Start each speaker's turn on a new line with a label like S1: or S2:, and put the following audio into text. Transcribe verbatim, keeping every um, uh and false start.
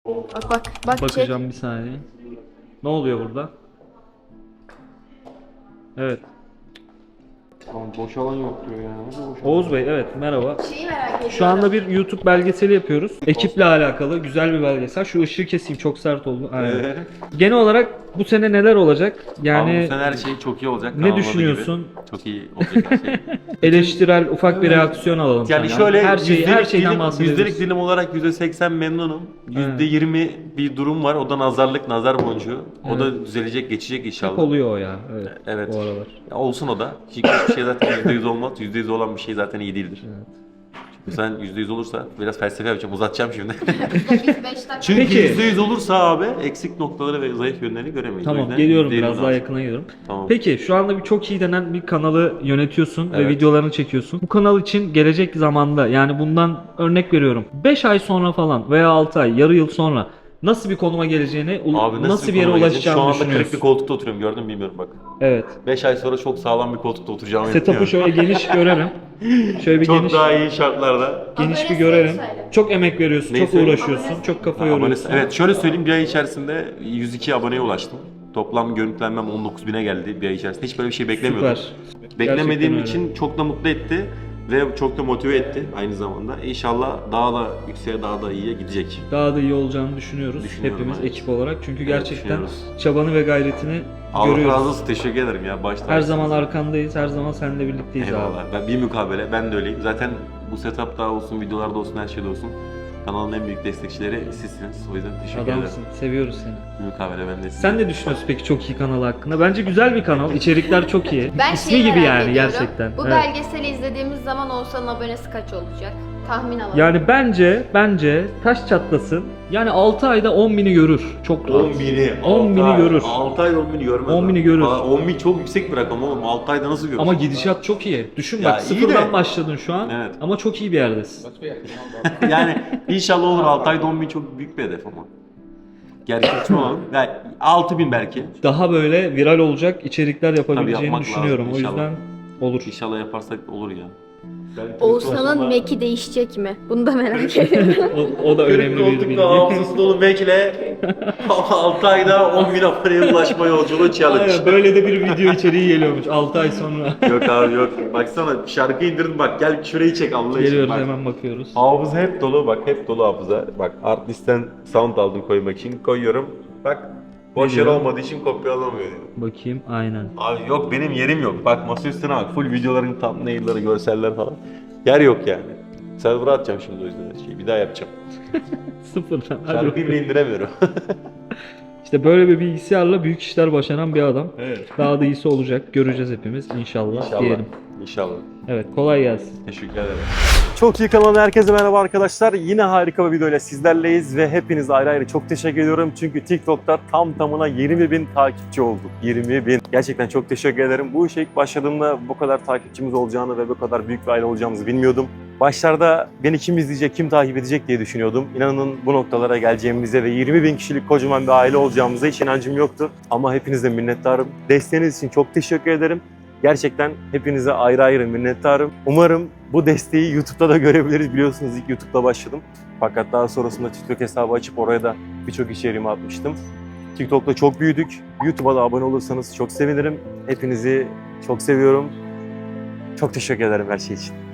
S1: Bak bak bak
S2: Bakacağım bir saniye. Ne oluyor burada? Evet.
S3: Tamam, boş alan yok diyor ya. Nasıl boş alan?
S2: Oğuz Bey, evet, merhaba.
S1: çek. Şeyi merak ediyorum.
S2: Şu anda bir YouTube belgeseli yapıyoruz. Ekiple alakalı güzel bir belgesel. Şu ışığı keseyim, çok sert oldu. Aynen.
S3: Ee,
S2: Genel olarak bu sene neler olacak? Yani
S3: Abi bu sene her şey çok iyi olacak.
S2: ne
S3: kanalın adı
S2: düşünüyorsun?
S3: gibi. Çok iyi olacak her şey.
S2: eleştirel ufak bir reaksiyon alalım.
S3: Yani
S2: senden.
S3: şöyle
S2: her şeyi, her
S3: yüzdelik
S2: şeyden
S3: dilim,
S2: bahsedebiliriz.
S3: yüzdelik dilim olarak yüzde seksen memnunum. yüzde yirmi bir durum var. O da nazarlık, nazar boncuğu. O da düzelecek, geçecek inşallah.
S2: Hep oluyor o ya. Evet.
S3: Evet.
S2: Bu aralar.
S3: Ya olsun o da. Çünkü hiçbir şey zaten yüzde yüz olmaz. yüzde yüz olan bir şey zaten iyi değildir.
S2: Evet.
S3: Çünkü sen yüzde yüz olursa biraz felsefe yapacağım, uzatacağım şimdi.
S1: Biz beş dakika.
S3: Çünkü
S2: Peki.
S3: yüzde yüz olursa abi eksik noktaları ve zayıf yönlerini göremeyiz. O
S2: Tamam,
S3: yüzden
S2: geliyorum,
S3: yüzde yirmi
S2: biraz daha
S3: lazım.
S2: yakına geliyorum.
S3: Tamam.
S2: Peki şu anda bir çok iyi denen bir kanalı yönetiyorsun ve
S3: Evet.
S2: videolarını çekiyorsun. Bu kanal için gelecek zamanda, yani bundan örnek veriyorum, beş ay sonra falan veya altı ay, yarı yıl sonra nasıl bir konuma geleceğini, u-
S3: Abi
S2: nasıl, bir
S3: konuma
S2: yere
S3: geleceğim?
S2: ulaşacağını
S3: Şu anda kırık bir
S2: düşünüyorsun.
S3: koltukta oturuyorum, gördün mü bilmiyorum bak.
S2: Evet.
S3: beş ay sonra çok sağlam bir koltukta oturacağımı
S2: Setup'ı
S3: düşünüyorum.
S2: şöyle geniş görelim. Şöyle bir
S3: Çok
S2: geniş
S3: daha iyi şartlarda.
S2: geniş bir
S1: Abone
S2: görelim.
S1: söyle.
S2: Çok emek veriyorsun,
S3: Neyi
S2: çok
S3: söyleyeyim?
S2: uğraşıyorsun,
S1: Abone
S2: çok kafa
S3: Ha,
S2: yoruyorsun.
S3: abonesi- Evet, şöyle söyleyeyim, bir ay içerisinde yüz iki aboneye ulaştım. Toplam görüntülenmem on dokuz bine geldi bir ay içerisinde. Hiç böyle bir şey beklemiyordum.
S2: Süper.
S3: Beklemediğim
S2: Gerçekten
S3: için çok da mutlu etti ve çok da motive etti aynı zamanda. İnşallah daha da yükseğe, daha da iyiye gidecek.
S2: Daha da iyi olacağını düşünüyoruz
S3: Düşünüyorum,
S2: hepimiz
S3: evet.
S2: ekip olarak. Çünkü gerçekten
S3: düşünüyoruz.
S2: çabanı ve gayretini
S3: Allah razı
S2: görüyoruz.
S3: olsun, teşekkür ederim ya. Başta
S2: Her zaman arkandayız, her zaman seninle birlikteyiz
S3: Eyvallah.
S2: abi.
S3: Ben bir mukabele, ben de öyleyim. Zaten bu setup'ta olsun, videolarda olsun, her şeyde olsun. Kanalın en büyük destekçileri sizsiniz. O yüzden teşekkür
S2: Adamsın,
S3: ederim.
S2: seviyoruz seni.
S3: Bir mukabele ben de size.
S2: Sen ne düşünüyorsun peki çok iyi kanal hakkında? Bence güzel bir kanal, içerikler çok iyi.
S1: Ben
S2: İsmi
S1: şeyi
S2: gibi
S1: merak
S2: yani
S1: ediyorum.
S2: gerçekten.
S1: Bu
S2: Evet.
S1: belgeseli izlediğimiz zaman Oğuzhan'ın abonesi kaç olacak? Tahmin alalım.
S2: Yani bence, bence taş çatlasın. Yani altı ayda on bini görür. Çok rahat.
S3: on bini,
S2: on bini görür.
S3: altı ayda on bini görmez.
S2: on
S3: abi.
S2: bini görür.
S3: Aa, on bin çok yüksek bir rakam oğlum. altı ayda nasıl görür?
S2: Ama gidişat çok iyi. Düşün
S3: Ya
S2: bak,
S3: iyi
S2: sıfırdan
S3: de-
S2: başladın şu an
S3: Evet.
S2: ama çok iyi bir yerdesin.
S3: Yani inşallah olur, altı ayda on bin çok büyük bir hedef ama. Gerçekçi olalım. Yani altı bin belki.
S2: Daha böyle viral olacak içerikler yapabileceğini
S3: yapmak
S2: düşünüyorum.
S3: lazım
S2: O
S3: inşallah.
S2: yüzden olur.
S3: İnşallah yaparsak olur ya.
S1: Oğuzhan'ın Mac'i değişecek mi? Bunu da merak ediyorum.
S2: O, o da önemli bir bilgi.
S3: hafızası dolu Mac'le altı ayda on bin aboneye ulaşma yolculuğu challenge.
S2: Aynen, böyle de bir video içeriği geliyormuş altı ay sonra.
S3: Yok abi yok. Baksana şarkı indirdim, bak gel şurayı çek Allah için.
S2: Geliyoruz,
S3: Bak.
S2: hemen bakıyoruz.
S3: Hafıza hep dolu, bak hep dolu hafıza. Bak Artlist'ten sound aldım koymak için, koyuyorum. Bak boş yer
S2: diyor?
S3: olmadığı için kopyalamıyor diyor.
S2: Bakayım, aynen.
S3: Abi yok, benim yerim yok. Bak masa üstüne bak, full videoların thumbnail'ları, görseller falan. Yer yok yani. Server'a atacağım şimdi o yüzden her şeyi. Bir daha yapacağım.
S2: Sıfırdan. Hadi
S3: Şarkıyı
S2: bakalım.
S3: bile indiremiyorum.
S2: İşte böyle bir bilgisayarla büyük işler başaran bir adam.
S3: Evet.
S2: Daha da iyisi olacak. Göreceğiz hepimiz inşallah,
S3: İnşallah.
S2: diyelim.
S3: İnşallah.
S2: Evet, kolay gelsin.
S3: Teşekkür ederim.
S4: Çok iyi kanalına herkese merhaba arkadaşlar. Yine harika bir videoyla sizlerleyiz ve hepiniz ayrı ayrı çok teşekkür ediyorum. Çünkü TikTok'ta tam tamına yirmi bin takipçi olduk. yirmi bin. Gerçekten çok teşekkür ederim. Bu işe ilk başladığımda bu kadar takipçimiz olacağını ve bu kadar büyük bir aile olacağımızı bilmiyordum. Başlarda beni kim izleyecek, kim takip edecek diye düşünüyordum. İnanın bu noktalara geleceğimize ve yirmi bin kişilik kocaman bir aile olacağımıza hiç inancım yoktu. Ama hepinizden minnettarım. Desteğiniz için çok teşekkür ederim. Gerçekten hepinize ayrı ayrı minnettarım. Umarım bu desteği YouTube'da da görebiliriz. Biliyorsunuz ilk YouTube'da başladım. Fakat daha sonrasında TikTok hesabı açıp oraya da birçok içeriğimi atmıştım. TikTok'ta çok büyüdük. YouTube'a da abone olursanız çok sevinirim. Hepinizi çok seviyorum. Çok teşekkür ederim her şey için.